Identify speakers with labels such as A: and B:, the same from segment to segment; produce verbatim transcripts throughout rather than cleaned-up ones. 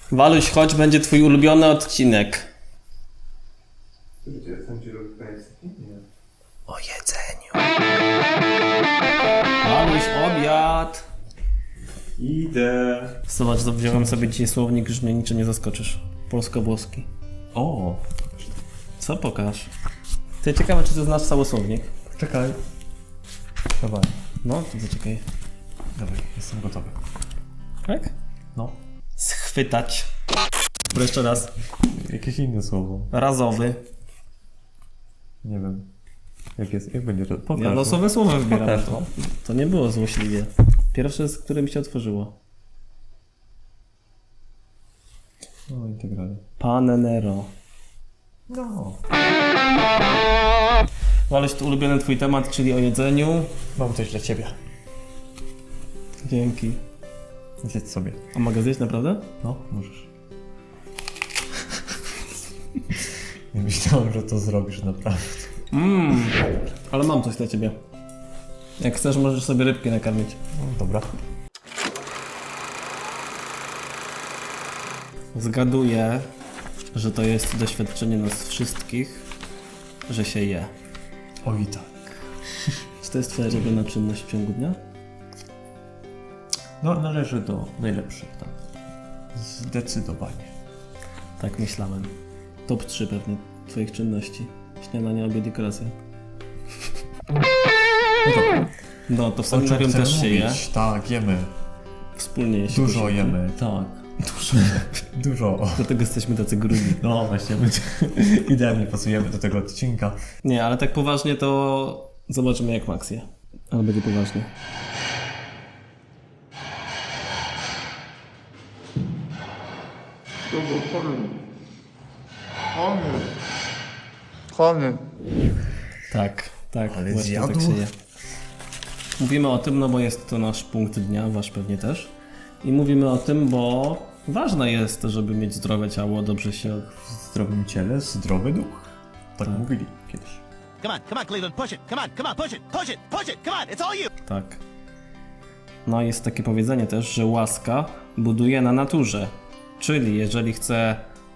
A: Waluś, chodź, będzie twój ulubiony odcinek. O jedzeniu. Waluś, obiad.
B: Idę.
A: Zobacz, wziąłem sobie dzisiaj słownik, już mnie niczym nie zaskoczysz. Polsko-włoski.
B: O.
A: Co pokaż? Ty, ciekawe, czy ty znasz cały słownik?
B: Czekaj. Dawaj.
A: No, to zaczekaj.
B: Dawaj, jestem gotowy.
A: Tak?
B: No.
A: Schwytać. Bo jeszcze raz.
B: Jakieś inne słowo.
A: Razowy.
B: Nie wiem. Jak jest, jak będzie to? Pokaż.
A: Ja losowe słowa wybieram.
B: Pokaż,
A: To,
B: no.
A: to nie było złośliwie. Pierwsze, z którym się otworzyło.
B: No, integralnie.
A: Panenero.
B: No.
A: Waluś, to ulubiony twój temat, czyli o jedzeniu.
B: Mam coś dla ciebie.
A: Dzięki.
B: Zjedz sobie.
A: A mogę zjeść naprawdę?
B: No, możesz. Nie myślałem, że to zrobisz naprawdę.
A: Mmm, ale mam coś dla ciebie. Jak chcesz, możesz sobie rybki nakarmić.
B: No, dobra.
A: Zgaduję, że to jest doświadczenie nas wszystkich, że się je.
B: Oj tak.
A: Czy to jest twoja ulubiona czynność w ciągu dnia?
B: No, należy do najlepszych, tak. Zdecydowanie.
A: Tak myślałem. Top trzy pewnie twoich czynności. Śniadanie, obiad i kolacja.
B: No dobra.
A: No to w
B: O
A: samym
B: czym
A: też
B: chcemy
A: się je.
B: mówić? Tak, jemy.
A: Wspólnie je się
B: Dużo
A: posiłki.
B: jemy, tak. Dużo. Dużo.
A: Dlatego jesteśmy tacy grubi.
B: No właśnie, my idealnie pasujemy do tego odcinka.
A: Nie, ale tak poważnie to zobaczymy jak Max je. Ale będzie poważnie.
C: Komy.
A: Tak, tak.
B: Ale
A: właśnie
B: zjadł?
A: tak się je. Mówimy o tym, no bo jest to nasz punkt dnia, wasz pewnie też. I mówimy o tym, bo ważne jest, żeby mieć zdrowe ciało, dobrze się...
B: W zdrowym ciele zdrowy duch. Tak,
A: Tak.
B: mówili kiedyś.
D: Come on, come on, Cleveland, push it. Come on, come on, push it, push it, push it. Come on, it's all you.
A: Tak. No jest takie powiedzenie też, że łaska buduje na naturze. Czyli jeżeli chce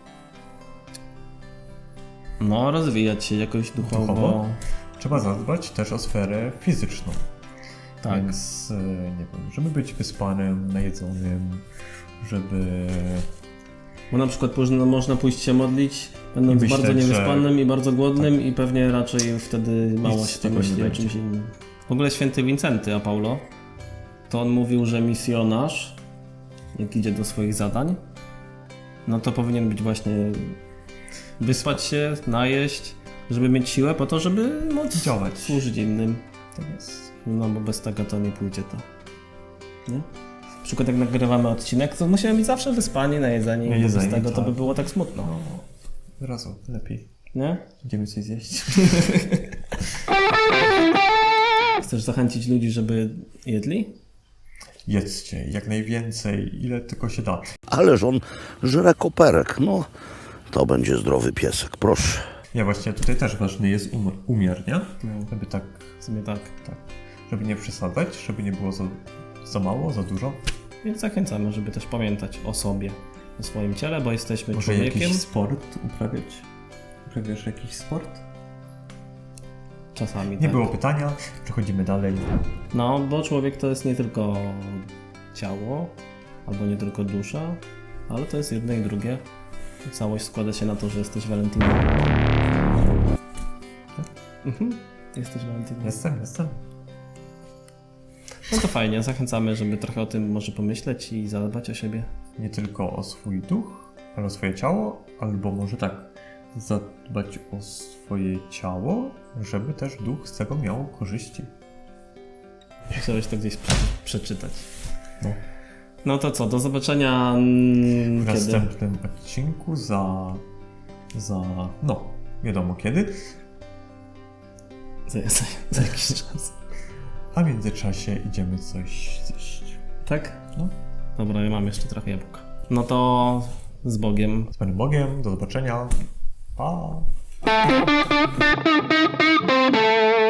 A: no rozwijać się jakoś duchowo,
B: Duchowo? Trzeba zadbać też o sferę fizyczną.
A: tak.
B: Więc, e, nie wiem, żeby być wyspanym, najedzonym, żeby...
A: Bo na przykład można, można pójść się modlić, będąc
B: myśleć,
A: bardzo niewyspanym
B: że-
A: i bardzo głodnym i pewnie raczej wtedy mało
B: Nic
A: się
B: z tego
A: myśli
B: nie
A: o
B: będzie.
A: czymś innym. W ogóle święty Wincenty, a Paulo, to on mówił, że misjonarz, jak idzie do swoich zadań, no to powinien być właśnie wyspać się, najeść, żeby mieć siłę po to, żeby móc
B: Działać.
A: służyć innym.
B: To jest...
A: No bo bez tego to nie pójdzie to. Nie? Na przykład jak nagrywamy odcinek, to musimy być zawsze wyspani, najedzeni, bo
B: Najedzeni,
A: bez tego to
B: tak.
A: by było tak smutno.
B: No, od razu lepiej.
A: Nie?
B: Idziemy coś zjeść.
A: Chcesz zachęcić ludzi, żeby jedli?
B: Jedzcie jak najwięcej, ile tylko się da.
E: Ależ on żre koperek. No, to będzie zdrowy piesek, proszę.
B: Ja właśnie tutaj też ważny jest um- umiar, nie? Żeby tak,
A: W sumie tak.
B: tak, żeby nie przesadzać, żeby nie było za, za mało, za dużo.
A: Więc zachęcamy, żeby też pamiętać o sobie, o swoim ciele, bo jesteśmy
B: Może
A: człowiekiem.
B: jakiś sport uprawiać? Uprawiasz jakiś sport?
A: Czasami
B: Nie
A: tak.
B: było pytania, przechodzimy dalej.
A: No, bo człowiek to jest nie tylko ciało, albo nie tylko dusza, ale to jest jedno i drugie. Całość składa się na to, że jesteś Valentinem. Mhm. Jesteś Valentinem.
B: Jestem, jestem.
A: No to fajnie, zachęcamy, żeby trochę o tym może pomyśleć i zadbać o siebie.
B: Nie tylko o swój duch, ale o swoje ciało, albo może tak, zadbać o swoje ciało, żeby też duch z tego miał korzyści.
A: Chciałeś to gdzieś prze- przeczytać.
B: No.
A: No to co, do zobaczenia mm,
B: W
A: kiedy?
B: następnym odcinku za... za... no, wiadomo kiedy.
A: Za, za, za jakiś czas.
B: A w międzyczasie idziemy coś zjeść.
A: Tak?
B: No.
A: Dobra, ja mam jeszcze trochę jabłka. No to z Bogiem.
B: Z Panem Bogiem, do zobaczenia. Pa!